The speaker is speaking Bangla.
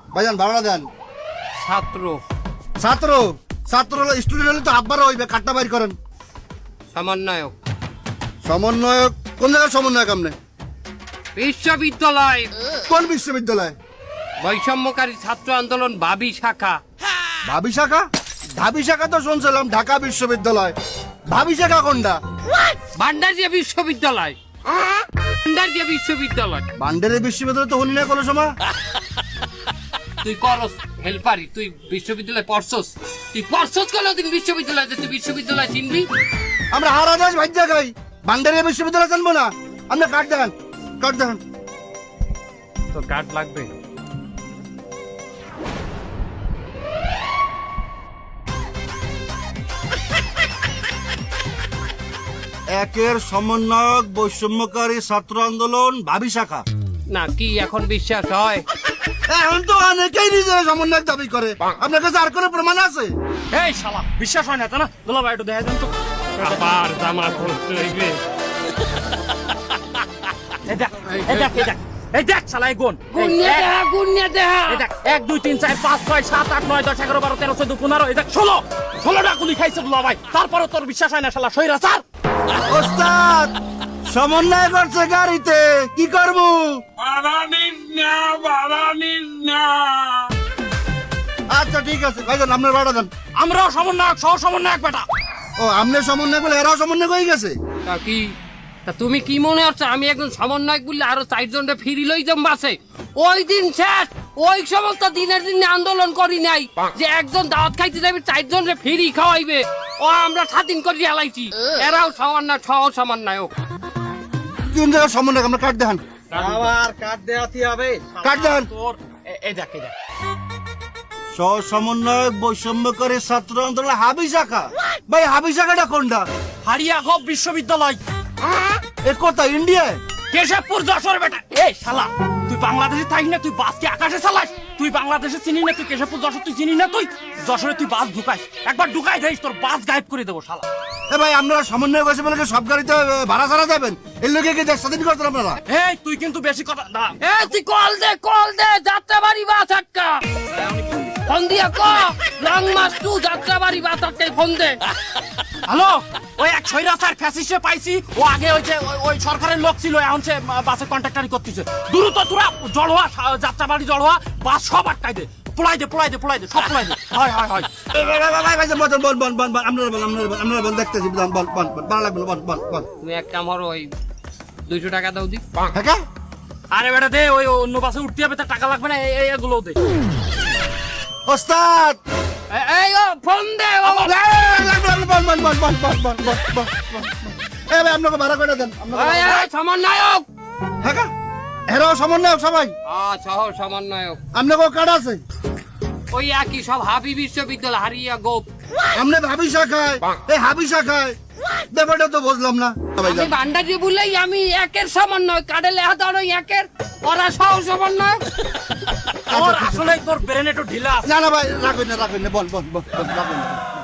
ভাইজান ভাড়া দেন। ছাত্র ছাত্র ছাত্র হলো স্টুডেন্ট হলে তো আব্বারও হইবে, কাটটা বাইর করেন। সমন্বয়ক সমন্বয়ক কোন জায়গায় সমন্বয়ক আপনি? বিশ্ববিদ্যালয় কোন বিশ্ববিদ্যালয়? বৈষম্যকারী ছাত্র আন্দোলন ভাবি শাখা। ভাবি শাখা? ভাবি শাখা তো শুনছিলাম ঢাকা বিশ্ববিদ্যালয়। ভাবি শাখা কোনটা? ভান্ডারিয়া বিশ্ববিদ্যালয়। ভান্ডারিয়া বিশ্ববিদ্যালয়। বান্ডারের বিশ্ববিদ্যালয় তো হলি না কোনো সময়। তুই করস হেল্পারি, তুই বিশ্ববিদ্যালয় পড়ছস? তুই পড়ছস কোনদিন বিশ্ববিদ্যালয়? তুই বিশ্ববিদ্যালয় চিনবি? আমরা হারা দেশ ভাজ্যা খাই, বান্ডারের বিশ্ববিদ্যালয় জানবো না? আপনি কাট দেখান, কাট দেখান। তো কার্ড লাগবে। একের সমন্বয়ক বৈষম্যকারী ছাত্র আন্দোলন ভাবি শাখা। না কি এখন বিশ্বাস হয়? এখন তো অনেকেই নিজের সমন্বয়ক দাবি করে। আপনার কাছে আর কোনো প্রমাণ আছে? এই শালা বিশ্বাস হয় না তা না? দুলা ভাই একটু দেখা দেন তো। আবার জামা পড়তে হইবে। এই দেখ, এই দেখ, এই দেখ, এই দেখ শালা এই গুণ। গুনিয়া দেহা, গুনিয়া দেহা। এই দেখ 1 2 3 4 5 6 7 8 9 10 11 12 13 14 15 এই দেখ 16টা গুলি খাইছে দুলা ভাই। তারপরে তোর বিশ্বাস হয় না শালা সইরা স্যার। ওস্তাদ সমন্বয় করছে গাড়িতে, কি করবো? আচ্ছা ঠিক আছে ভাইজান, আপনার ভাড়া দেন। আমরাও সমন্বয়ক সহ সমন্বয়ক বেটা। ও আপনি সমন্বয় বলে এরাও সমন্বয় হয়ে গেছে? তা কি, তা তুমি কি মনে হচ্ছে আমি একজন সমন্বয়ক বললে আরো 4 জনকে ফিরি লই যাম বাসে? ওই দিন শেষ, ওই সমস্ত দিনের দিনে আন্দোলন করি নাই যে একজন দাওয়াত খাইতে যাবে 4 জনকে ফিরি খাওয়াইবে। ও আমরা স্বাধীন করে হালাইছি। এরাও সমন্বয় সহ সমন্বয়ক। কোন জায়গায় সমন্বয়ক? আমরা কাট দেখান, আবার কাট দেয়াতি হবে। কাট দেখান। তোর এই দেখ, এই দেখ। সহ সমন্বয়ক বৈষম্যকারী ছাত্র আন্দোলন হাবি শাখা। ভাই হাবি শাখাটা কোনটা? হারিয়া হব বিশ্ববিদ্যালয়। এ কথা ইন্ডিয়ায়? কেশবপুর যশোর বেটা। এই শালা তুই বাংলাদেশে থাকিস না, তুই বাসকে আকাশে চালাস? তুই বাংলাদেশে চিনি না, তুই কেশবপুর যশোর তুই চিনি না? তুই যশোরে তুই বাস ঢুকাইস, একবার ঢুকাই দেখিস তোর বাস গায়েব করে দেবো শালা। এ ভাই আপনারা সমন্বয় করছে বলে কি সব গাড়িতে ভাড়া ছাড়া যাবেন? এর লোকে কি দেশ স্বাধীন করতেন আপনারা? এই তুই কিন্তু বেশি কথা না। এ তুই কল দে যাত্রাবাড়ি বাস আটকা। ফোন দিয়া ক লং মাস 2 যাত্রাবাড়ি বাস আটকাই ফোন দে। হ্যালো, ওই এক ছয়রাচার ফ্যাসিস্টে পাইছি। ও আগে ওই যে ওই সরকারের লোক ছিল, এখন সে বাসে কন্ট্রাক্টারি করতেছে। দ্রুত তোরা জল হওয়া যাত্রাবাড়ি জল হওয়া বাস সব আটকাই দে। পোলাই দে সব পোলাই দে। হয় ভাই আপনারা বল দেখতেছি, বল ভালো লাগবে, বল। তুমি একটা আমার ওই 200 টাকা দাও দি। হ্যাঁ আরে বেটা দে, ওই অন্য বাসে উঠতে হবে, তার টাকা লাগবে না, এগুলো দে। ওস্তাদ এই ও ফোন দে ও। বল। এ ভাই আপনাকে ভাড়া করে দেন। এই সমন্বয়ক। হ্যাঁ এরাও সমন্বয়ক সবাই? সহ সমন্বয়ক। আপনাকে কার্ড আছে? ওই একই সব হাবি বিশ্ববিদ্যালয় হারিয়া গোপ। আপনি ভাবি শাখায়, এই হাবি শাখায়, ব্যাপারটা তো বুঝলাম না। আমি ভান্ডারি বলেই আমি একের সমন্বয়, কার্ডে লেখা দাও একের, ওরা সহ সমন্বয়ক। ওর আসলে তোর ব্রেন একটু ঢিলা আছে। না ভাই রাখবেন না, বল রাখবেন না।